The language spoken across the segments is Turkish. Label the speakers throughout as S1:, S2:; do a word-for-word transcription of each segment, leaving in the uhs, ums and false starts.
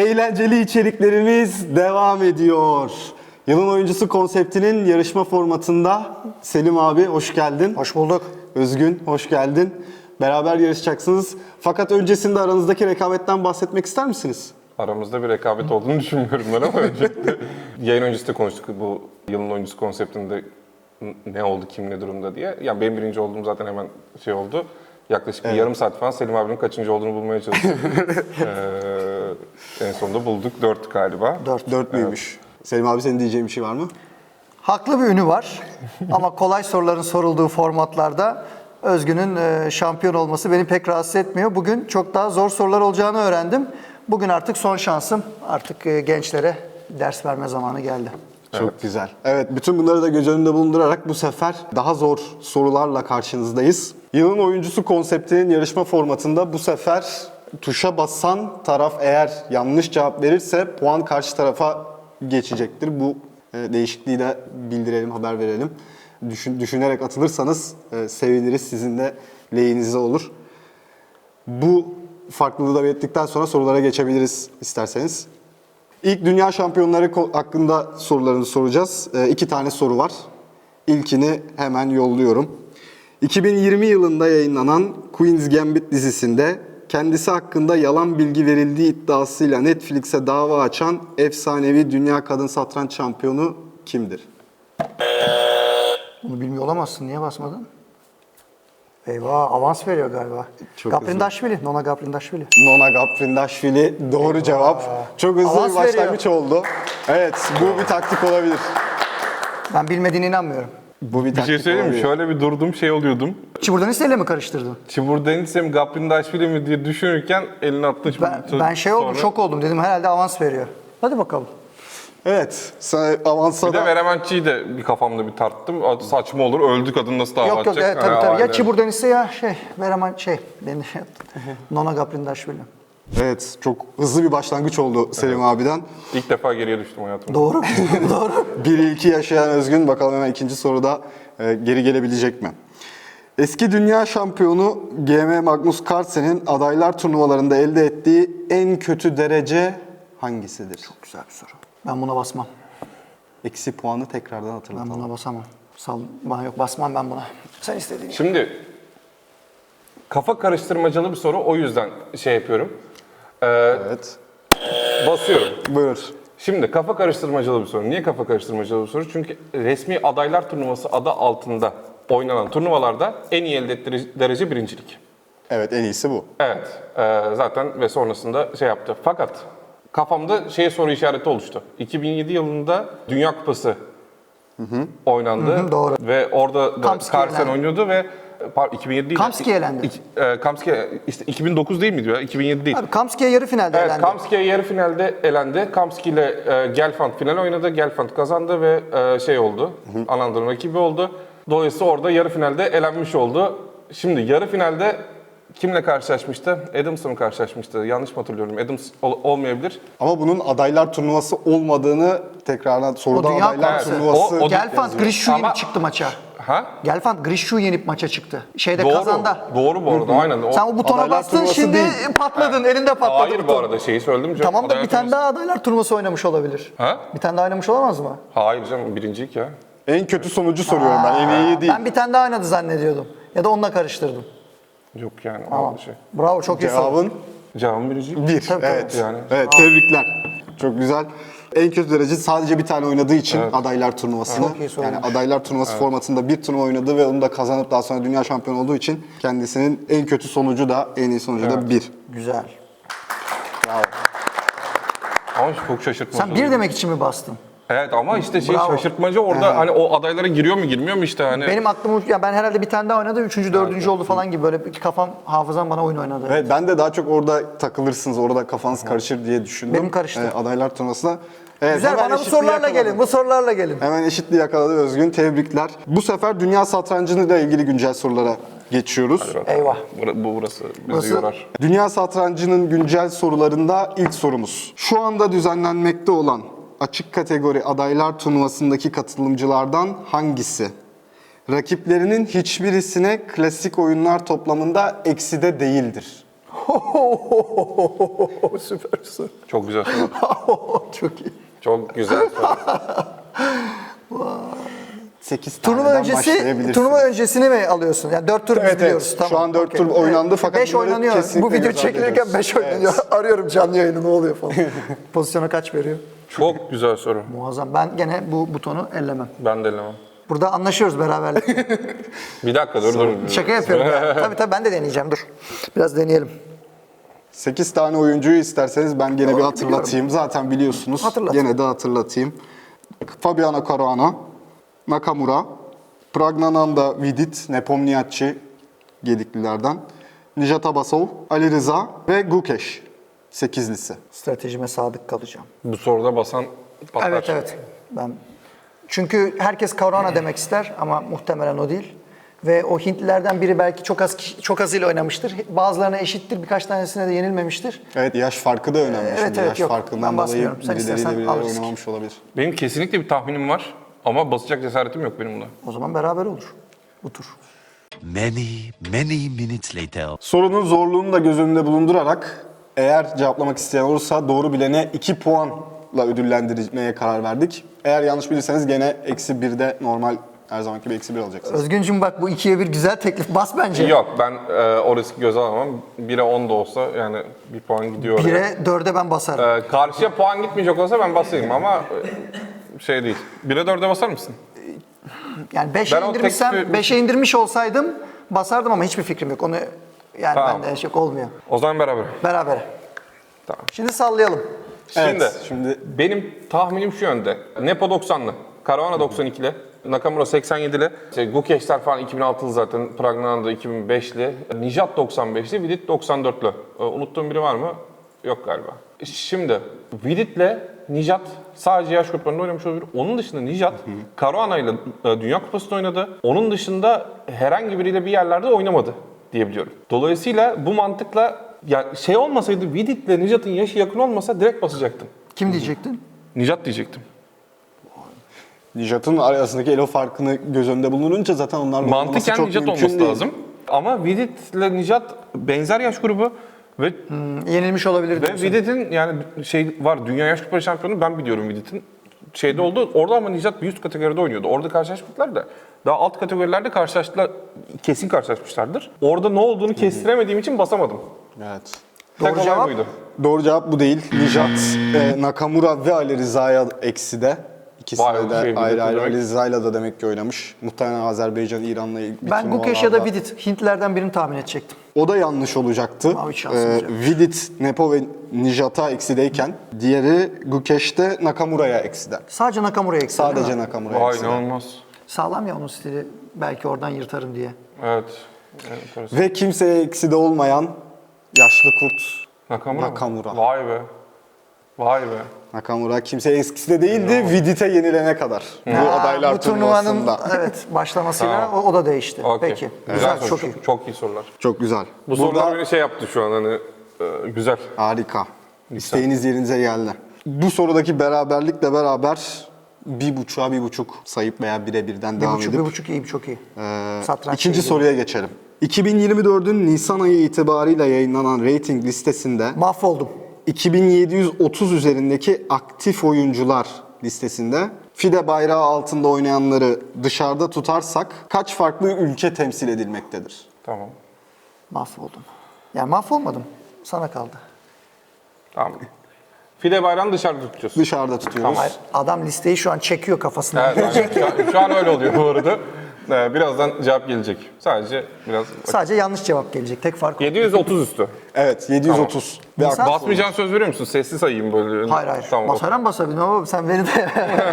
S1: Eğlenceli içeriklerimiz devam ediyor. Yılın oyuncusu konseptinin yarışma formatında Selim abi hoş geldin.
S2: Hoş bulduk.
S1: Özgün hoş geldin. Beraber yarışacaksınız. Fakat öncesinde aranızdaki rekabetten bahsetmek ister misiniz?
S3: Aramızda bir rekabet olduğunu düşünmüyorum ben ama öncelikle yayın öncesi de konuştuk bu yılın oyuncusu konseptinde ne oldu, kim ne durumda diye. Yani benim birinci olduğum zaten hemen şey oldu. Yaklaşık evet. bir yarım saat falan Selim abinin kaçıncı olduğunu bulmaya çalıştık. ee, en sonunda bulduk. Dört galiba.
S1: Dört. Dört müymüş? Evet. Selim abi senin diyeceğin bir şey var mı?
S2: Haklı bir ünü var ama kolay soruların sorulduğu formatlarda Özgün'ün şampiyon olması beni pek rahatsız etmiyor. Bugün çok daha zor sorular olacağını öğrendim. Bugün artık son şansım. Artık gençlere ders verme zamanı geldi.
S1: Çok
S3: evet.
S1: güzel. Evet, bütün bunları da göz önünde bulundurarak bu sefer daha zor sorularla karşınızdayız. Yılın oyuncusu konseptinin yarışma formatında bu sefer tuşa basan taraf eğer yanlış cevap verirse puan karşı tarafa geçecektir. Bu e, değişikliği de bildirelim, haber verelim. Düşün, düşünerek atılırsanız e, seviniriz. Sizin de lehinize olur. Bu farklılığı da belirttikten sonra sorulara geçebiliriz isterseniz. İlk dünya şampiyonları hakkında sorularını soracağız. E, iki tane soru var. İlkini hemen yolluyorum. iki bin yirmi yılında yayınlanan Queen's Gambit dizisinde kendisi hakkında yalan bilgi verildiği iddiasıyla Netflix'e dava açan efsanevi dünya kadın satranç şampiyonu kimdir?
S2: Bunu bilmiyor olamazsın. Niye basmadın? Eyvah, avans veriyor galiba. Gaprindashvili, Nona Gaprindashvili.
S1: Nona Gaprindashvili doğru cevap. Çok hızlı
S2: Avans
S1: bir başlangıç
S2: veriyor.
S1: oldu. Evet, bu bir taktik olabilir.
S2: Ben bilmediğine inanmıyorum.
S1: Bu bir
S3: Bir
S1: taktik
S3: şey söyleyeyim mi?
S1: olabilir.
S3: Şöyle bir durdum şey oluyordum.
S2: Çiburdanis'le mi karıştırdın?
S3: Çiburdanis'e mi Gaprindashvili mi diye düşünürken elini attı.
S2: Ben, ben şey oldum,
S3: sonra...
S2: şok oldum. Dedim herhalde avans veriyor. Hadi bakalım.
S1: Evet, sen avansa
S3: Bir de
S1: da...
S3: Verementçi'yi de bir kafamda bir tarttım. Saçma olur, öldü kadın nasıl dava
S2: Yok yok,
S3: açacak?
S2: evet, tabii
S3: Ha,
S2: tabii. Ya
S3: aynen.
S2: Çiburdanis'e ya şey, Veraman şey, beni şey yaptı. Nona Gaprindashvili.
S1: Evet, çok hızlı bir başlangıç oldu Selim evet. abiden.
S3: İlk defa geriye düştüm hayatımda.
S2: Doğru, doğru.
S1: bir iki yaşayan Özgün, bakalım hemen ikinci soruda e, geri gelebilecek mi? Eski dünya şampiyonu G M Magnus Carlsen'in adaylar turnuvalarında elde ettiği en kötü derece hangisidir?
S2: Çok güzel bir soru. Ben buna basmam.
S1: Eksi puanı tekrardan hatırlatalım.
S2: Ben buna basamam. Sal, bana yok, basmam ben buna. Sen istediğin.
S3: Şimdi kafa karıştırmacalı bir soru, o yüzden şey yapıyorum. Ee,
S1: Evet.
S3: Basıyorum.
S1: Buyur.
S3: Şimdi kafa karıştırmacalı bir soru. Niye kafa karıştırmacalı bir soru? Çünkü resmi adaylar turnuvası adı altında oynanan turnuvalarda en iyi elde ettiği derece birincilik.
S1: Evet, en iyisi bu.
S3: Evet, e, zaten ve sonrasında şey yaptı. Fakat kafamda şey soru işareti oluştu. iki bin yedi yılında Dünya Kupası hı hı. oynandı. Hı hı,
S2: doğru.
S3: Ve orada da Carlsen oynuyordu ve pardon, iki bin yedi değil.
S2: Kamski elendi.
S3: İki, e, Kamski işte iki bin dokuz değil miydi ya? iki bin yedi değil.
S2: Abi Kamski'ye yarı finalde
S3: Evet,
S2: elendi.
S3: Kamski'ye yarı finalde elendi. Kamski ile e, Gelfand final oynadı. Gelfand kazandı ve e, şey oldu. Anadolu rakibi oldu. Dolayısıyla orada yarı finalde elenmiş oldu. Şimdi yarı finalde kimle karşılaşmıştı? Adams'la mı karşılaşmıştı? Yanlış mı hatırlıyorum? Adams ol- olmayabilir.
S1: Ama bunun adaylar turnuvası olmadığını tekrardan soruda
S2: O Dünya
S1: adaylar
S2: Kupası.
S1: turnuvası...
S3: O- o-
S2: Gelfand Grishü
S3: Ama-
S2: yenip çıktı maça.
S3: Ha?
S2: Gelfand Grishü yenip maça çıktı. Şeyde
S3: Doğru.
S2: kazandı.
S3: Doğru bu arada. Aynen. O-
S2: Sen o butona
S1: Adaylar
S2: bastın
S1: turnuvası
S2: şimdi
S1: değil.
S2: patladın. Elinde patladı
S3: Hayır
S2: buton.
S3: bu arada şeyi söyledim. canım.
S2: Tamam da
S3: Adaylar
S2: bir tane
S3: turnuvası-
S2: daha adaylar turnuvası oynamış olabilir.
S3: Ha?
S2: Bir tane daha oynamış olamaz mı?
S3: Hayır canım birinciyik ya.
S1: En kötü sonucu soruyorum ben, en iyi değil.
S2: Ben bir tane daha oynadı zannediyordum. Ya da onunla karıştırdım.
S3: Yok yani.
S2: Tamam.
S3: o Şey.
S2: Bravo, çok iyi soru.
S1: Cevabın
S3: Cevabım birinciyik.
S1: bir.
S2: Tabii,
S1: evet.
S3: tabii. Yani.
S1: Evet, tebrikler. Çok güzel. En kötü derece sadece bir tane oynadığı için
S3: Evet.
S1: adaylar turnuvasını.
S2: Çok iyi
S1: Yani
S2: sormuş.
S1: adaylar turnuvası formatında bir turnuva oynadı ve onu da kazanıp daha sonra dünya şampiyonu olduğu için kendisinin en kötü sonucu da en iyi sonucu da
S3: Evet.
S1: bir.
S2: Güzel.
S1: Bravo.
S3: Ama çok şaşırtmadı.
S2: Sen bir demek için mi bastın?
S3: Evet ama işte şey
S2: Bravo.
S3: şaşırtmacı orada hani o adaylara giriyor mu girmiyor mu işte hani.
S2: Benim aklım, ya ben herhalde bir tane daha oynadı, üçüncü, dördüncü oldu falan gibi böyle bir kafam, hafızam bana oyun oynadı.
S1: Evet, ben de daha çok orada takılırsınız, orada kafanız karışır diye düşündüm.
S2: Benim karıştı.
S1: Ee, adaylar turnuvasına. Evet,
S2: Güzel,
S1: hemen
S2: bana bu
S1: eşitliği
S2: sorularla
S1: yakaladı.
S2: gelin, bu sorularla gelin.
S1: Hemen eşitliği yakaladı Özgün, tebrikler. Bu sefer dünya satrancıyla ilgili güncel sorulara geçiyoruz.
S2: Eyvah.
S3: Bura- Bu burası bizi
S2: Burası-
S3: yorar.
S1: Dünya satrancının güncel sorularında ilk sorumuz. Şu anda düzenlenmekte olan açık kategori adaylar turnuvasındaki katılımcılardan hangisi rakiplerinin hiçbirisine klasik oyunlar toplamında ekside değildir?
S2: Süpersin.
S3: Çok güzel soru.
S2: Çok iyi.
S3: Çok güzel soru.
S1: sekiz
S2: Turnuva
S1: taneden
S2: öncesi,
S1: başlayabilirsiniz.
S2: turnuva öncesini mi alıyorsun? Yani dört tur biz
S1: Evet,
S2: biliyoruz.
S1: evet.
S2: Tamam.
S1: Şu an dört
S2: okey.
S1: tur oynandı fakat
S2: beş
S1: bunları
S2: oynanıyor.
S1: kesinlikle
S2: Bu video
S1: göz ardı
S2: çekilirken
S1: ediyoruz.
S2: beş oynanıyor. Arıyorum canlı yayını ne oluyor falan. Pozisyona kaç veriyor?
S3: Çok güzel soru.
S2: Muazzam. Ben gene bu butonu ellemem.
S3: Ben de elemem.
S2: Burada anlaşıyoruz beraberlik.
S3: Bir dakika dur dur.
S2: Şaka yapıyorum ya. Tabii tabii ben de deneyeceğim dur. Biraz deneyelim.
S1: sekiz tane oyuncuyu isterseniz ben gene bir hatırlatayım. Zaten biliyorsunuz.
S2: Hatırlat.
S1: Gene de hatırlatayım. Fabiano Caruana, Nakamura, Pragnananda Vidit, Nepomniachtchi Gediklilerden, Nijat Abbasov, Ali Rıza ve Gukesh. sekizlisi.
S2: Stratejime sadık kalacağım.
S3: Bu soruda basan patlar.
S2: Evet evet. Ben çünkü herkes Caruana demek ister ama muhtemelen o değil. Ve o Hintlilerden biri belki çok az kişi- çok azıyla oynamıştır. Bazılarına eşittir, birkaç tanesine de yenilmemiştir.
S1: Evet, yaş farkı da önemli.
S2: Evet,
S1: Şimdi
S2: evet,
S1: yaş
S2: yok.
S1: farkından
S2: Ben
S1: dolayı
S2: basmıyorum. Sen
S1: birileriyle
S2: istersen
S1: birileri
S2: al risk.
S1: oynamamış olabilir.
S3: Benim kesinlikle bir tahminim var ama basacak cesaretim yok benim bunda.
S2: O zaman beraber olur bu tur.
S4: Many, many minutes later.
S1: Sorunun zorluğunu da göz önünde bulundurarak eğer cevaplamak isteyen olursa doğru bilene iki puanla ödüllendirmeye karar verdik. Eğer yanlış bilirseniz gene eksi birde normal her zamanki gibi eksi bir alacaksınız.
S2: Özgüncüm bak bu ikiye bir güzel teklif. Bas bence.
S3: Yok ben e, o riski göze alamam. bire on da olsa yani bir puan gidiyor oraya.
S2: Bire dörde ben basarım.
S3: E, karşıya puan gitmeyecek olsa ben basayım ama e, şey değil. bire dörde basar mısın?
S2: Yani beşe
S3: Ben o
S2: indirmişsem,
S3: teklifi-
S2: beşe indirmiş olsaydım basardım ama hiçbir fikrim yok. Onu yani
S3: Tamam.
S2: bende şey olmuyor.
S3: O zaman beraber.
S2: Beraber.
S3: Tamam.
S2: Şimdi sallayalım.
S3: Şimdi,
S1: Evet, şimdi-
S3: benim tahminim şu yönde. Nepo doksanlı, Caruana doksan ikili, Nakamura seksen yedili, şey, Gukesh'ler falan iki bin altılı zaten, Pragnananda iki bin beşli, Nijat doksan beşli, Vidit doksan dörtlü. Ee, unuttuğum biri var mı? Yok galiba. Şimdi Vidit'le Nijat sadece yaş gruplarında oynamış olabilir. Onun dışında Nijat, Caruana ile e, Dünya Kupası'nda oynadı. Onun dışında herhangi biriyle bir yerlerde oynamadı diyebiliyorum. Dolayısıyla bu mantıkla ya şey olmasaydı Vidit'le Nijat'ın yaşı yakın olmasa direkt basacaktım.
S2: Kim diyecektin?
S3: Nijat diyecektim.
S1: Nijat'ın arasındaki elo farkını göz önünde bulununca zaten onlarla oynaması
S3: Mantıken
S1: çok
S3: Nijat
S1: mümkün
S3: olması
S1: değil.
S3: lazım. Ama Vidit'le Nijat benzer yaş grubu ve
S2: Yenilmiş olabilir
S3: ve
S2: diyorsun.
S3: Vidit'in yani şey var Dünya Yaş Kupası şampiyonu ben biliyorum Vidit'in şeyde oldu. Orada ama Nijat bir üst kategoride oynuyordu. Orada karşılaşmadılar da daha alt kategorilerde karşılaştılar. Kesin karşılaşmışlardır. Orada ne olduğunu kestiremediğim için basamadım.
S1: Evet.
S2: Doğru
S3: Tek olay
S2: cevap?
S3: buydu.
S1: Doğru cevap bu değil. Nijat, e, Nakamura ve Ali Rıza'ya eksi de. İkisi
S3: Vay,
S1: de
S3: şey,
S1: ayrı ayrı
S3: demek.
S1: Ali Rıza'yla da demek ki oynamış. Muhtemelen Azerbaycan, İran'la ilgili
S2: Ben Gukesh ya da
S1: turnuvalarda.
S2: Vidit. Hintlilerden birini tahmin edecektim.
S1: O da yanlış olacaktı.
S2: Ama hiç şansımız yok.
S1: Vidit, Nepo ve Nijat'a eksideyken diğeri Gukesh'te Nakamura'ya ekside.
S2: Sadece Nakamura'ya eksik değil
S1: Sadece
S2: mi?
S1: Nakamura'ya
S3: Vay
S1: ekside.
S3: inanılmaz.
S2: Sağlam ya onun stili. Belki oradan yırtarım diye.
S3: Evet. Evet,
S1: Ve kimseye ekside olmayan yaşlı kurt
S3: Nakamura. mı?
S1: Nakamura.
S3: Vay be. Vay be.
S1: Nakamura kimseye ekside değildi Vidit'e yenilene kadar. Bu
S2: Aa,
S1: adaylar
S2: bu turnuvanın
S1: turnuvasında.
S2: evet başlamasıyla
S3: Tamam.
S2: o, o da değişti.
S3: Okey.
S2: Peki.
S3: Güzel,
S2: Güzel,
S3: soru.
S2: çok iyi.
S3: Çok iyi sorular.
S1: Çok güzel.
S3: Bu
S1: Burada
S3: sorular beni şey yaptı şu an hani e, güzel.
S1: harika. İsteğiniz yerinize geldi. Bu sorudaki beraberlikle beraber bir buçuğa bir buçuk sayıp veya bire birden
S2: Bir
S1: devam
S2: buçuk,
S1: edip
S2: bir buçuk iyi, çok iyi.
S1: Ee,
S2: Satranç
S1: ikinci
S2: şeyi.
S1: soruya geçelim. iki bin yirmi dördün Nisan ayı itibarıyla yayınlanan rating listesinde
S2: Mahvoldum.
S1: iki bin yedi yüz otuz üzerindeki aktif oyuncular listesinde FIDE bayrağı altında oynayanları dışarıda tutarsak kaç farklı ülke temsil edilmektedir?
S3: Tamam.
S2: Mahvoldum. Yani mahvolmadım. Sana kaldı.
S3: Tamam. Fide bayrağını dışarıda tutacağız.
S1: Dışarıda tutuyoruz.
S2: Hayır, adam listeyi şu an çekiyor kafasına.
S3: Evet, aynen. şu, an, şu an öyle oluyor bu arada. Ee, birazdan cevap gelecek. Sadece biraz...
S2: Sadece yanlış cevap gelecek. Tek fark o.
S3: yedi yüz otuz üstü.
S1: Evet, yedi yüz otuz. Ve
S2: Nisan-
S1: ak-
S3: Basmayacağın söz veriyor musun? Sesli sayayım böyle.
S2: Hayır hayır.
S3: Tamam.
S2: Basarım basabilirim ama sen beni de...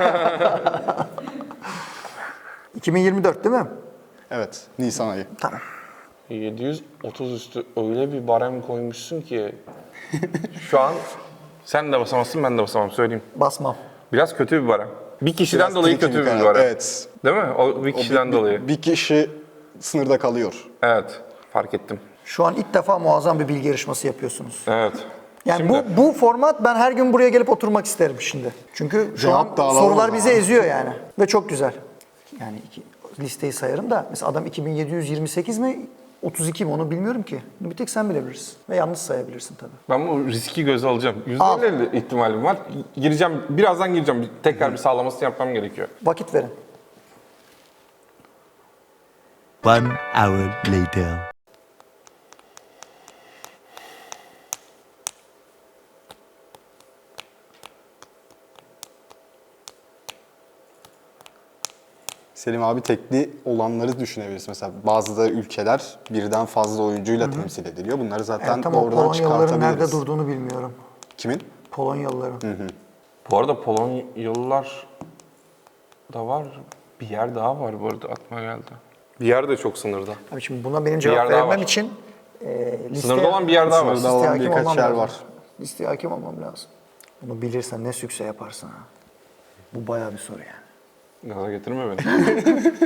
S2: iki bin yirmi dört değil mi?
S1: Evet, Nisan ayı.
S2: Tamam.
S3: yedi yüz otuz üstü öyle bir barem koymuşsun ki şu an sen de basamazsın ben de basamam söyleyeyim.
S2: Basmam.
S3: Biraz kötü bir barem. Bir kişiden
S1: Biraz
S3: dolayı
S1: tricky
S3: kötü bir
S1: karar.
S3: barem.
S1: Evet.
S3: Değil mi? O bir
S1: O
S3: kişiden
S1: bir-
S3: dolayı.
S1: Bir, bir kişi sınırda kalıyor.
S3: Evet. Fark ettim.
S2: Şu an ilk defa muazzam bir bilgi yarışması yapıyorsunuz.
S3: Evet.
S2: Yani
S3: Şimdi-
S2: bu bu format ben her gün buraya gelip oturmak isterim şimdi. Çünkü şu
S1: Cevap da
S2: an
S1: alalım
S2: sorular
S1: o
S2: bizi
S1: zaman.
S2: eziyor yani. Ve çok güzel. Yani iki, listeyi sayarım da mesela adam iki bin yedi yüz yirmi sekiz mi otuz iki mi onu bilmiyorum ki. Bunu bir tek sen bilebilirsin. Ve yanlış sayabilirsin tabii.
S3: Ben bu riski göze alacağım.
S2: Al.
S3: yüzde elli ihtimalim var. Gireceğim, birazdan gireceğim. Bir- Tekrar bir sağlamasını yapmam gerekiyor.
S2: Vakit verin.
S4: One hour later.
S1: Selim abi tekli olanları düşünebiliriz. Mesela bazı da ülkeler birden fazla oyuncuyla temsil ediliyor. Bunları zaten
S2: Evet, ama
S1: oradan
S2: Polonyalıların nerede
S1: çıkartabiliriz.
S2: durduğunu bilmiyorum.
S1: Kimin?
S2: Polonyalıların.
S3: Bu arada Polonyalılar da var. Bir yer daha var bu arada aklıma geldi. Bir yer de çok sınırda.
S2: Abi şimdi buna benim
S3: yer
S2: cevap
S3: daha
S2: vermem
S3: var.
S2: için e, listeye,
S3: Sınırda olan bir yer daha var.
S1: Sınırda olan
S2: listeye hakim
S1: birkaç
S2: olmam
S1: yer
S2: lazım.
S1: var.
S2: Listeye hakim olmam lazım. Bunu bilirsen ne sükse yaparsın ha. Bu bayağı bir soru yani.
S3: Gaza getirme beni.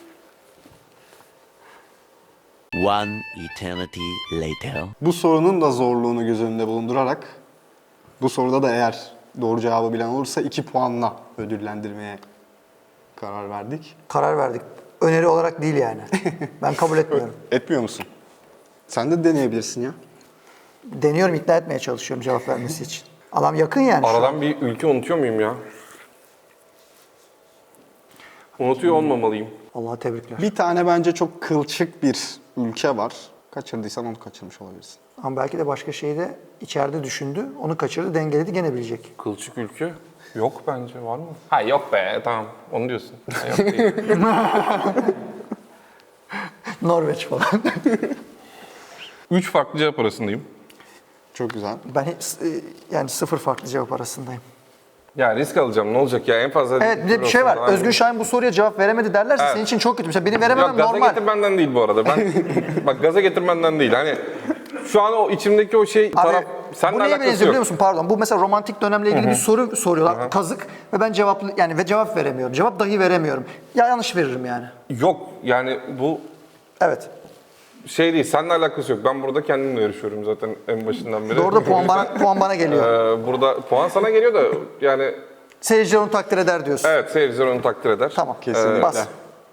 S4: One eternity later.
S1: Bu sorunun da zorluğunu göz önünde bulundurarak bu soruda da eğer doğru cevabı bilen olursa iki puanla ödüllendirmeye karar verdik.
S2: Karar verdik. Öneri olarak değil yani. Ben kabul etmiyorum.
S1: Etmiyor musun? Sen de deneyebilirsin ya.
S2: Deniyorum, ikna etmeye çalışıyorum cevap vermesi için. Adam yakın yani. şu an.
S3: Aradan bir ülke unutuyor muyum ya? Unutuyor olmamalıyım.
S2: Allah'a tebrikler.
S1: Bir tane bence çok kılçık bir ülke var. Kaçırdıysan onu kaçırmış olabilirsin.
S2: Ama belki de başka şeyi de içeride düşündü. Onu kaçırdı, dengeledi, gene bilecek.
S3: Kılçık ülke? Yok bence, var mı? Ha yok be, tamam. Onu diyorsun. Ha, yok değil.
S2: Norveç falan.
S3: Üç farklı cevap arasındayım.
S1: Çok güzel.
S2: Ben hiç- e, yani sıfır farklı cevap arasındayım.
S3: Ya risk alacağım, ne olacak ya, en fazla...
S2: Evet, bir de bir şey var.
S3: Aynen.
S2: Özgün Şahin bu soruya cevap veremedi derlerse
S3: Evet.
S2: senin için çok kötü. Mesela benim verememem
S3: Yok, gaza
S2: normal.
S3: getirmenden değil bu arada. Ben bak gaza getirmenden değil. Hani şu an o içimdeki o şey taraf
S2: Abi,
S3: seninle
S2: bu neye
S3: alakası
S2: benziyor
S3: yok.
S2: biliyor musun? Pardon. Bu mesela romantik dönemle ilgili bir soru soruyorlar. Kazık. Ve ben cevaplı yani ve cevap veremiyorum. Cevap dahi veremiyorum. Ya yanlış veririm yani.
S3: Yok yani bu
S2: Evet.
S3: şey değil, seninle alakası yok. Ben burada kendimle yarışıyorum zaten en başından beri.
S2: Doğru da puan
S3: O
S2: bana,
S3: yüzden,
S2: puan bana geliyor.
S3: e, burada puan sana geliyor da yani
S2: Seyirciler onu takdir eder diyorsun.
S3: evet, seyirciler onu takdir eder.
S2: Tamam.
S1: Kesinlikle.
S2: Bas.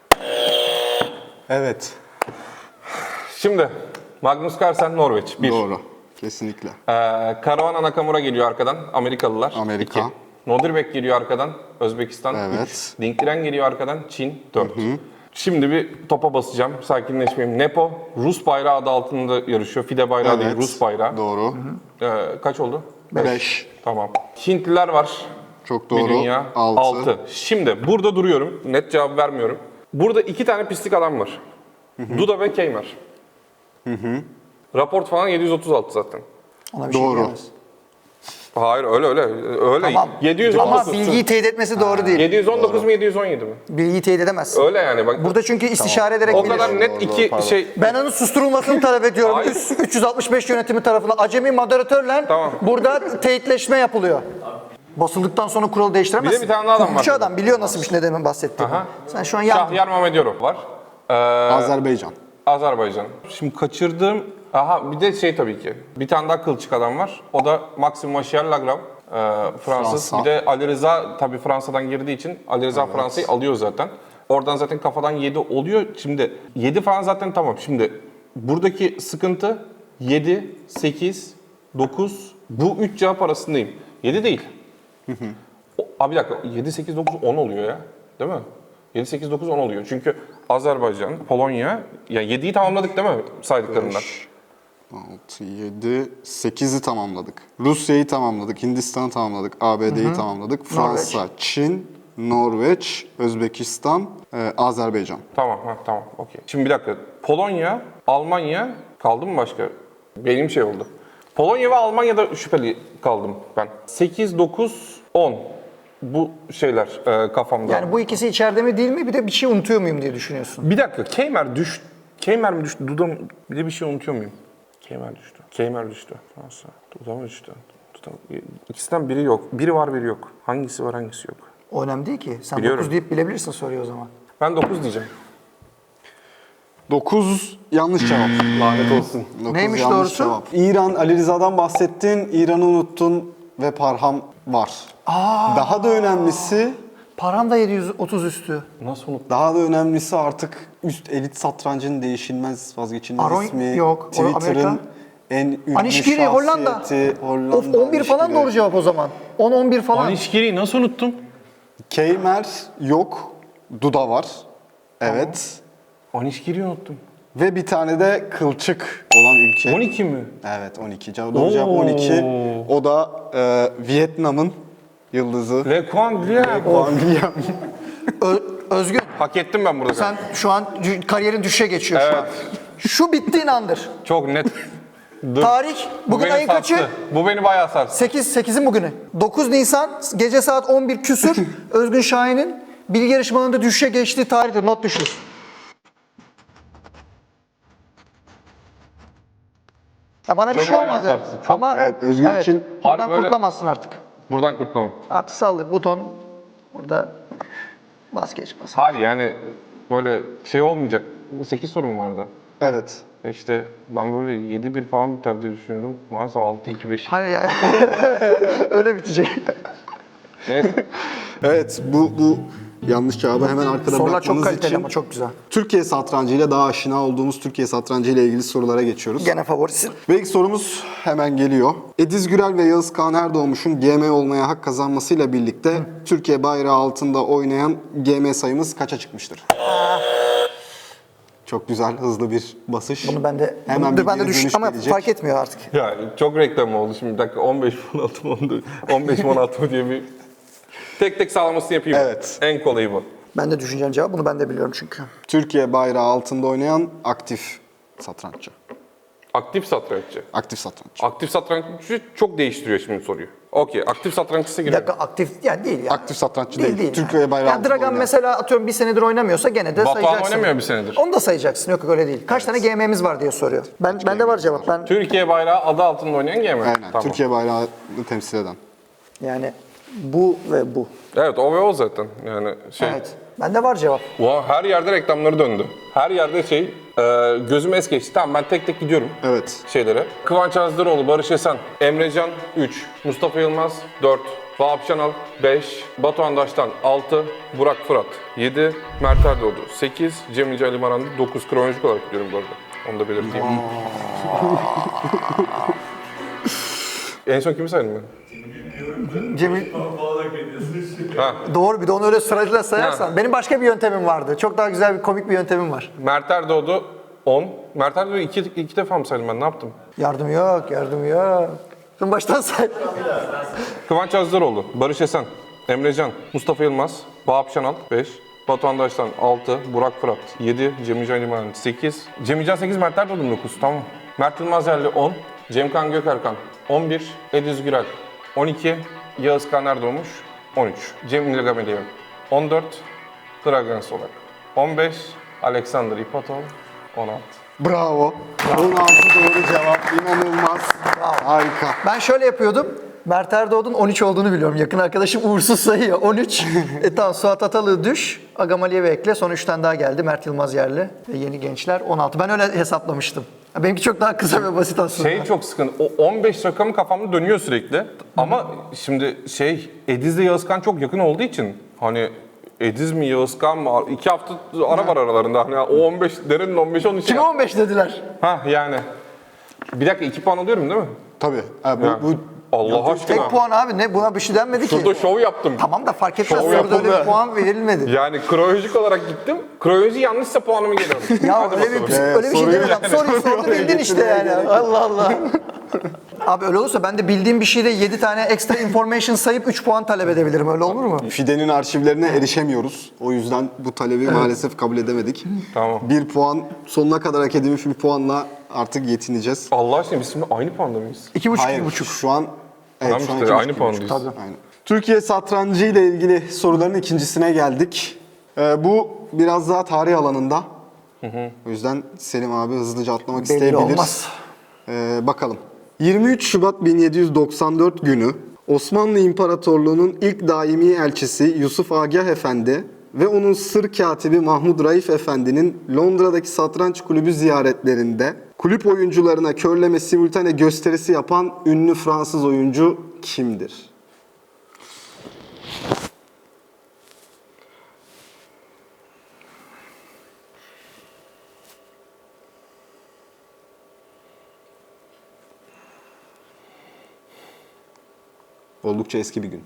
S1: Evet.
S3: Şimdi Magnus Carlsen Norveç bir.
S1: Doğru. Kesinlikle.
S3: Ee, Caruana Nakamura geliyor arkadan, Amerikalılar.
S1: Amerika.
S3: iki. Nodirbek geliyor arkadan, Özbekistan.
S1: Evet.
S3: üç. Dinkleren geliyor arkadan, Çin. dört. Şimdi bir topa basacağım, sakinleşmeyeyim. Nepo, Rus bayrağı adı altında yarışıyor. Fide bayrağı değil,
S1: Evet.
S3: Rus bayrağı.
S1: Doğru.
S3: Ee, kaç oldu?
S1: Beş.
S3: Tamam. Hintliler var.
S1: Çok
S3: Bir
S1: doğru.
S3: dünya.
S1: Altı.
S3: Altı. Şimdi burada duruyorum. Net cevap vermiyorum. Burada iki tane pislik adam var. Duda ve Keymer. Raport falan yedi yüz otuz altı zaten.
S2: Ona bir şey
S1: Doğru.
S2: diyemez.
S3: Hayır öyle öyle. Öyle.
S2: Tamam.
S3: yedi yüz on dokuz.
S2: Ama bilgiyi teyit etmesi doğru değil.
S3: yedi yüz on dokuz mu yedi yüz on yedi mi?
S2: Bilgiyi teyit edemezsin.
S3: Öyle yani bak.
S2: Burada çünkü istişare ederek
S3: o
S2: bilir.
S3: kadar net
S1: Doğru,
S3: iki
S1: doğru, pardon.
S3: şey.
S2: Ben onun susturulmasını talep ediyorum.
S3: Hayır.
S2: Üst- üç yüz altmış beş yönetimi tarafından acemi moderatörle
S3: Tamam.
S2: burada teyitleşme yapılıyor. Basıldıktan sonra kuralı değiştiremezsin.
S3: Bir de bir tane daha adam var.
S2: Hukukçu adam biliyor nasıl bir şey, ne demin bahsettiğimi.
S3: Aha.
S2: Sen şu an yandın.
S3: Şahyar Mamedyorov var. Ee,
S1: Azerbaycan.
S3: Azerbaycan. Şimdi kaçırdığım... Aha bir de şey tabii ki. Bir tane daha kılçık adam var. O da Maxime Vachier-Lagrave. Ee, Fransız.
S1: Fransa.
S3: Bir de Ali Rıza tabii Fransa'dan girdiği için Ali Rıza Fransa'yı alıyor zaten. Oradan zaten kafadan yedi oluyor. Şimdi yedi falan zaten tamam. Şimdi buradaki sıkıntı yedi, sekiz, dokuz. Bu üç cevap arasındayım. yedi değil. O, abi bir dakika. yedi, sekiz, dokuz, on oluyor ya. Değil mi? yedi, sekiz, dokuz, on oluyor. Çünkü Azerbaycan, Polonya, ya yediyi tamamladık değil mi saydıklarından?
S1: altı, yedi, sekizi tamamladık. Rusya'yı tamamladık, Hindistan'ı tamamladık, A B D'yi tamamladık. Fransa, Çin, Norveç, Özbekistan, e, Azerbaycan.
S3: Tamam, ha, tamam, okey. Şimdi bir dakika. Polonya, Almanya kaldı mı başka? Benim şey oldu. Polonya ve Almanya'da şüpheli kaldım ben. sekiz, dokuz, on. Bu şeyler e, kafamda.
S2: Yani bu ikisi içeride mi değil mi? Bir de bir şey unutuyor muyum diye düşünüyorsun.
S3: Bir dakika, Keymer düş. Keymer mi düştü? Duda mı? Bir de bir şey unutuyor muyum? Keymer düştü. Keymer düştü. Fransa. Duda mı düştü? Duda... İkisinden biri yok. Biri var, biri yok. Hangisi var, hangisi yok?
S2: O önemli değil ki. Sen
S3: Biliyorum.
S2: dokuz deyip bilebilirsin soruyu o zaman.
S3: Ben dokuz diyeceğim.
S1: dokuz yanlış cevap. Lanet olsun. dokuz
S2: Neymiş
S1: yanlış
S2: doğrusu?
S1: cevap. İran, Ali Rıza'dan bahsettin, İran'ı unuttun ve Parham var. Daha da önemlisi,
S2: Param da yedi yüz otuz üstü.
S3: Nasıl unuttum?
S1: daha da önemlisi artık üst elit satrancın değişilmez vazgeçilmez
S2: Aron
S1: ismi.
S2: yok, o
S1: Twitter'ın
S2: Amerika.
S1: en ünlü
S2: Anişkiri Hollanda.
S1: şahsiyeti, Hollanda
S2: Of on bir falan
S1: Anişkiri.
S2: doğru cevap o zaman. on on bir falan.
S5: Anişkiri'yi nasıl unuttum?
S1: Keymer yok. Duda var. Evet.
S5: Anişkiri'yi unuttum.
S1: Ve bir tane de kılçık olan ülke.
S5: on iki mi?
S1: Evet on iki. Cevap- Doğru cevap on iki. O da e, Vietnam'ın yıldızı.
S5: Le Quang Liang.
S1: Wang Liang.
S2: Ö- Özgün,
S3: Hak ettim ben burada.
S2: sen şu an cü- kariyerin düşüşe geçiyor şu an. Şu bittiğin andır.
S3: Çok net. Dur.
S2: Tarih,
S3: Bu
S2: bugün
S3: beni
S2: ayın kaçı?
S3: sarstı. Bu beni bayağı sarstı.
S2: sekiz, sekizin bugünü. dokuz Nisan gece saat on bir küsür Özgün Şahin'in bilgi yarışmalarında düşüşe geçtiği tarihtir. Not düşür. Ya bana bir şey
S3: bayağı
S2: olmadı.
S3: sarstı. Çok-
S2: Ama
S1: Evet, Özgür
S2: evet,
S1: için-
S2: buradan
S3: Harbi böyle-
S2: kurtulamazsın artık.
S3: Buradan kurtulamam.
S2: Artı sallı buton burada vazgeç bas.
S3: Hayır yani böyle şey olmayacak. sekiz sorum vardı.
S1: Evet.
S3: İşte ben böyle yedi bir falan biter diye düşünüyordum. Maalesef altı iki beş.
S2: Hayır ya. Öyle bitecek.
S3: Neyse.
S1: Evet bu bu yanlış cevabı hemen arkada
S2: Sorular çok
S1: bırakmanız
S2: kaliteli
S1: için
S2: ama çok güzel.
S1: Türkiye satrancı ile daha aşina olduğumuz Türkiye satrancı ile ilgili sorulara geçiyoruz.
S2: Gene favorisi.
S1: Ve ilk sorumuz hemen geliyor. Ediz Gürel ve Yağız Kağan Erdoğmuş'un G M olmaya hak kazanmasıyla birlikte Türkiye bayrağı altında oynayan G M sayımız kaça çıkmıştır? Çok güzel, hızlı bir basış.
S2: Bunu ben de
S1: Hemen
S2: bunu
S1: bir
S2: ben de
S1: geri
S2: düş
S1: dönüş
S2: ama
S1: gelecek.
S2: fark etmiyor artık.
S3: Yani çok reklam oldu şimdi. Bir dakika on beş mi on altı mı on beş mi on altı mı diye bir tek tek sağlamasını yapayım.
S1: Evet.
S3: En kolayı bu.
S2: Ben de düşüneceğim cevap. Bunu ben de biliyorum çünkü.
S1: Türkiye bayrağı altında oynayan aktif satranççı.
S3: Aktif satranççı.
S1: Aktif satranççı.
S3: Aktif satranççı çok değiştiriyor şimdi soruyu. Okey, aktif satrançısı
S2: Bir
S3: giriyor.
S2: dakika aktif yani değil yani.
S1: Aktif satranççı değil.
S2: yani.
S1: Türkiye bayrağı
S2: Yani
S1: altında
S2: Dragan
S1: oynayan.
S2: mesela atıyorum bir senedir oynamıyorsa gene de
S3: Batuhan
S2: sayacaksın.
S3: oynamıyor bir senedir.
S2: Onu da sayacaksın. Yok yok öyle değil. Kaç tane G M'miz var diye soruyor. Ben bende var cevap. Ben
S3: Türkiye bayrağı adı altında oynayan G M.
S1: Aynen.
S3: Tamam.
S1: Türkiye bayrağını temsil eden.
S2: yani bu ve bu.
S3: Evet o ve o zaten. Yani şey.
S2: Evet. Bende var cevap.
S3: Wow, her yerde reklamları döndü. Her yerde şey, e, gözüme es geçti. Tamam ben tek tek gidiyorum
S1: Evet.
S3: şeylere. Kıvanç Azdıroğlu, Barış Esen, Emrecan üç, Mustafa Yılmaz dört, Vahap Şanal beş, Batuhan Daştan altı, Burak Fırat yedi, Mert Erdoğdu sekiz, Cemil Ali Marandı dokuz. Kronolojik olarak gidiyorum bu arada. Onu da belirteyim. En son kimi saydım ben?
S2: Cemil
S3: Ha,
S2: doğru bir de onu öyle sırayla sayarsan.
S3: Ha.
S2: Benim başka bir yöntemim vardı. Çok daha güzel bir komik bir yöntemim var.
S3: Mert Erdoğdu on. Mert Erdoğdu iki, iki defa mı saydım ben? Ne yaptım?
S2: Yardım yok, yardım yok. Sen baştan say.
S3: Kıvanç Azdıroğlu, Barış Esen, Emrecan, Mustafa Yılmaz, Vahap Şanal beş, Batuhan Daştan altı, Burak Fırat yedi, Cemilcan Liman sekiz, Cemilcan sekiz, Mert Erdoğdu dokuz, tamam. Mert Yılmaz Yerli on, Cemkan Gökerkan on bir, Ediz Gürel on iki, Yağız Kağan Erdoğmuş on üç, Cemil Gameliyev on dört, Dragan Solak on beş, Alexander İpatov on altı.
S1: Bravo. on altı doğru cevap. İnanılmaz. Harika.
S2: Ben şöyle yapıyordum. Mert Erdoğdu'nun on üç olduğunu biliyorum. Yakın arkadaşım uğursuz sayıyor. on üç. e tamam Suat Atalı düş. Agamali'ye ekle. Son üç tane daha geldi. Mert Yılmaz yerli. Ve yeni gençler on altı. Ben öyle hesaplamıştım. Benimki çok daha kısa ve basit aslında.
S3: Şey çok sıkıntı. O on beş rakamı kafamda dönüyor sürekli. Ama şimdi şey Ediz'le Yağızkan çok yakın olduğu için hani Ediz mi Yağızkan mı? İki hafta ara var aralarında. Hani o on beş derenin on beş on üç.
S2: Kime on beş dediler?
S3: Ha yani. Bir dakika iki puan alıyorum değil mi?
S1: Tabii. Ha, bu,
S3: Ha.
S1: bu
S3: Allah aşkına.
S2: Tek puan abi ne? Buna bir şey denmedi ki.
S3: Şurada şov yaptım.
S2: Tamam da fark etmez.
S3: Şov
S2: Soruda öyle
S3: yapıldı.
S2: bir puan verilmedi.
S3: Yani kronolojik olarak gittim. Kronoloji yanlışsa puanımı geliyorum.
S2: Ya
S3: Hadi
S2: öyle bir,
S3: bakalım.
S2: öyle bir şey
S1: soruyu-
S2: demeden soruyu sordu bildin işte yani. Allah Allah. Abi öyle olursa ben de bildiğim bir şeyde yedi tane extra information sayıp üç puan talep edebilirim. Öyle olur mu?
S1: Fide'nin arşivlerine erişemiyoruz. O yüzden bu talebi maalesef kabul edemedik.
S3: Tamam.
S1: Bir puan, sonuna kadar hak edilmiş bir puanla artık yetineceğiz.
S3: Allah aşkına biz şimdi aynı puanda mıyız?
S2: İki buçuk,
S1: Hayır,
S2: iki buçuk.
S1: şu an...
S3: Tamam
S1: şu an
S3: işte,
S1: iki
S3: aynı
S1: buçuk,
S3: puandayız.
S1: iki buçuk. Aynen. Türkiye satrancı ile ilgili soruların ikincisine geldik. Ee, bu biraz daha tarih alanında. O yüzden Selim abi hızlıca atlamak
S2: Belli
S1: isteyebilir.
S2: olmaz.
S1: Ee, bakalım. yirmi üç Şubat bin yedi yüz doksan dört günü Osmanlı İmparatorluğu'nun ilk daimi elçisi Yusuf Agah Efendi ve onun sır katibi Mahmud Raif Efendi'nin Londra'daki satranç kulübü ziyaretlerinde kulüp oyuncularına körleme simultane gösterisi yapan ünlü Fransız oyuncu kimdir? Oldukça eski bir gün.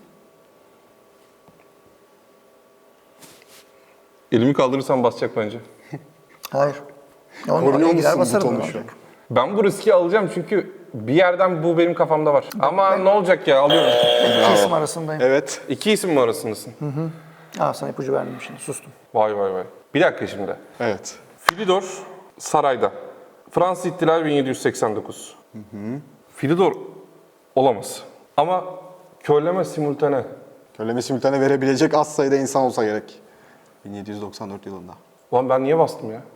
S3: Elimi kaldırırsam basacak bence.
S2: Hayır. Onun
S1: Korunuyor
S2: oraya gider
S1: musun
S2: basarım.
S1: butonu
S2: ben.
S1: şu an?
S3: Ben bu riski alacağım çünkü bir yerden bu benim kafamda var. Ama ne olacak ya, alıyorum.
S2: İki isim arasındayım.
S1: Evet.
S3: İki isim mi arasındasın?
S2: Aa, sana ipucu verdim şimdi, sustum.
S3: Vay vay vay. Bir dakika şimdi.
S1: Evet.
S3: Filidor sarayda. Fransız İhtilali bin yedi yüz seksen dokuz. Filidor olamaz. Ama körleme simultane.
S1: Köleme simultane verebilecek az sayıda insan olsa gerek. bin yedi yüz doksan dört yılında.
S3: Ulan ben niye bastım ya?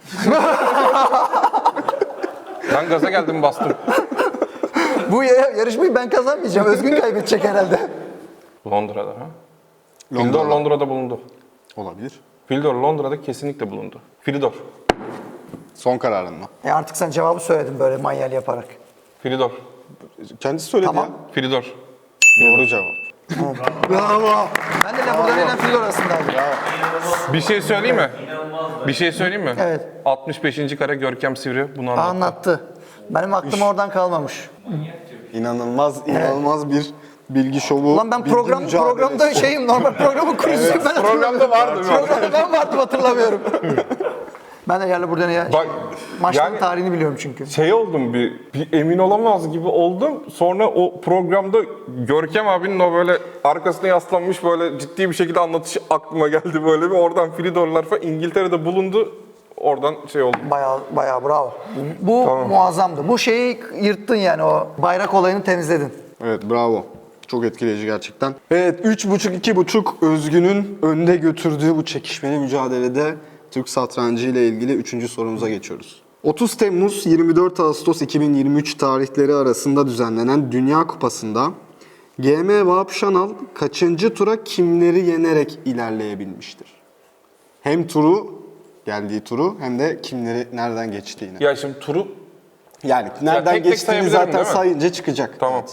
S3: Ben gaza geldim, bastım.
S2: Bu ya- yarışmayı ben kazanmayacağım. Özgün kaybedecek herhalde.
S3: Londra'da ha? Filidor Londra'da bulundu.
S1: Olabilir.
S3: Filidor Londra'da kesinlikle bulundu. Filidor.
S1: Son kararın mı?
S2: E artık sen cevabı söyledin böyle manyel yaparak.
S3: Filidor.
S1: Kendisi söyledi
S2: Tamam.
S1: ya.
S3: Filidor.
S1: Doğru cevap.
S2: Bravo. Ben de Labur'dan ile Filor arasındaydım.
S3: Bir şey söyleyeyim mi? Bir şey söyleyeyim mi?
S2: Evet.
S3: altmış beşinci kare Görkem Sivri bunu anlattı.
S2: Anlattı. Benim aklım oradan kalmamış.
S1: İnanılmaz, inanılmaz bir bilgi şovu.
S2: Lan ben
S1: bilgi
S2: program
S1: mücadelesi.
S2: programda şeyim, normal programın kurucusuyum. Ben
S3: Programda vardı.
S2: Programda ben vardım, hatırlamıyorum. Ben de yerle buradan ya.
S3: Bak,
S2: Maçların
S3: yani-
S2: tarihini biliyorum çünkü.
S3: Şey oldum, bir, bir emin olamaz gibi oldum. Sonra o programda Görkem abinin o böyle arkasına yaslanmış böyle ciddi bir şekilde anlatışı aklıma geldi böyle bir. Oradan Filidorlar falan İngiltere'de bulundu. Oradan şey oldu.
S2: Bayağı bayağı bravo. Bu muazzamdı. Bu şeyi yırttın yani, o bayrak olayını temizledin.
S1: Evet, bravo. Çok etkileyici gerçekten. Evet, üç buçuk iki buçuk Özgün'ün önde götürdüğü bu çekişmeli mücadelede Türk satrancı ile ilgili üçüncü sorumuza geçiyoruz. otuz Temmuz yirmi dört Ağustos iki bin yirmi üç tarihleri arasında düzenlenen Dünya Kupası'nda G M Vahap Şanal kaçıncı tura kimleri yenerek ilerleyebilmiştir? Hem turu, geldiği turu hem de kimleri nereden geçtiğini.
S3: Ya şimdi turu
S1: Yani nereden
S3: tek tek
S1: geçtiğini
S3: sayabilirim,
S1: zaten
S3: değil mi?
S1: sayınca çıkacak.
S3: tamam.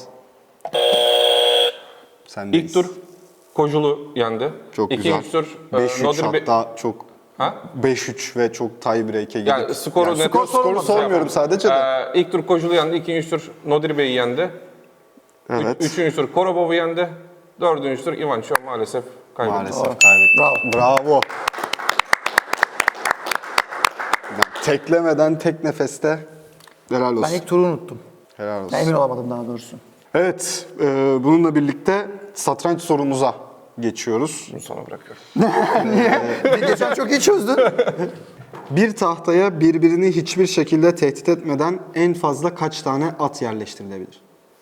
S1: Sendeyiz.
S3: İlk tur Kojulu yendi.
S1: Çok
S3: İkinci
S1: güzel.
S3: tur e,
S1: beş üç
S3: Nodri Bey-
S1: hatta çok
S3: Ha?
S1: beş üç ve çok tie break'e gidip.
S3: Yani skoru net-
S1: skor, skoru
S3: sorulmadı.
S1: sormuyorum sadece de.
S3: Ee, ilk tur Kojulu yendi, ikinci tur Nodri Bey'i yendi.
S1: Evet.
S3: Üçüncü tur Korobov'u yendi. Dördüncü tur Ivanchov maalesef kaybetti.
S1: Maalesef kaybetti.
S2: Bravo.
S1: Bravo. Yani teklemeden tek nefeste helal olsun.
S2: Ben ilk turu unuttum.
S1: Helal olsun.
S2: Ben emin olamadım daha doğrusu.
S1: Evet, e, bununla birlikte satranç sorumuza geçiyoruz.
S3: Bunu sana bırakıyorum.
S2: Bir geçen çok iyi çözdün.
S1: Bir tahtaya birbirini hiçbir şekilde tehdit etmeden en fazla kaç tane at yerleştirilebilir?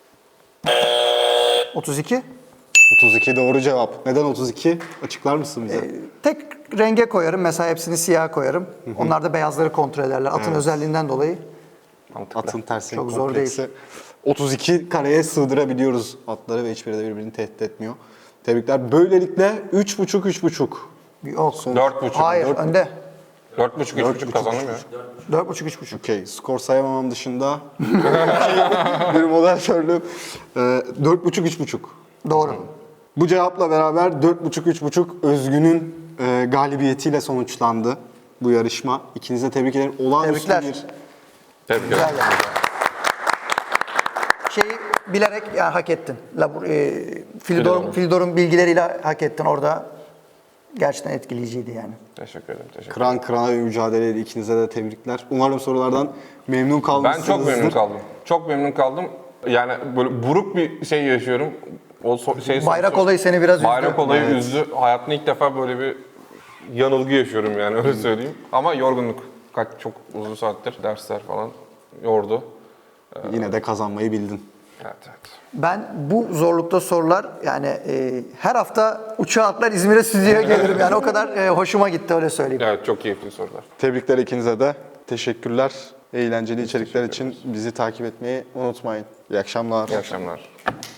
S2: otuz iki.
S1: otuz iki doğru cevap. Neden otuz iki? Açıklar mısın bize?
S2: Tek renge koyarım. Mesela hepsini siyah koyarım. Onlar da beyazları kontrol ederler. Atın özelliğinden dolayı.
S3: Mantıklı.
S1: Atın tersi
S2: Çok zor
S1: kompleksi. otuz iki kareye sığdırabiliyoruz atları ve hiçbiri de birbirini tehdit etmiyor. Tebrikler. Böylelikle üç buçuk üç buçuk.
S2: Yok.
S3: Dört buçuk.
S2: Hayır,
S3: Dört,
S2: önde.
S3: dört buçuk, üç buçuk kazandım ya.
S2: Dört buçuk, üç buçuk.
S1: Okey. Skor sayamamam dışında bir moderatörlüğüm. Ee, dört buçuk üç buçuk.
S2: Doğru.
S1: Bu cevapla beraber dört buçuk üç buçuk Özgün'ün e, galibiyetiyle sonuçlandı bu yarışma. İkinize tebrik ederim. Olağanüstü
S2: Tebrikler.
S1: bir
S3: Tebrik ederim.
S2: Güzel yani. Şeyi bilerek yani hak ettin. Labur, e, Filidor'un,
S3: Filidor.
S2: Filidor'un bilgileriyle hak ettin orada. Gerçekten etkileyiciydi yani.
S3: Teşekkür ederim. Teşekkür ederim.
S1: kıran kırana bir mücadeleydi. İkinize de tebrikler. Umarım sorulardan memnun
S3: Ben
S1: kalmışsınızdır.
S3: çok memnun kaldım. Çok memnun kaldım. Yani böyle buruk bir şey yaşıyorum. O so- şey
S2: Bayrak olayı seni biraz üzdü.
S3: Bayrak olayı
S1: Evet.
S3: üzdü. Hayatımda ilk defa böyle bir yanılgı yaşıyorum yani öyle söyleyeyim. Ama yorgunluk. Kaç çok uzun saattir dersler falan yordu.
S1: Yine de kazanmayı bildin.
S3: Evet evet.
S2: Ben bu zorlukta sorular yani e, her hafta uçağa atlar İzmir'e stüdyoya gelirim. Yani o kadar e, hoşuma gitti, öyle söyleyeyim.
S3: Evet çok keyifli sorular.
S1: Tebrikler ikinize de. Teşekkürler. Eğlenceli içerikler için bizi takip etmeyi unutmayın. İyi akşamlar.
S3: İyi akşamlar.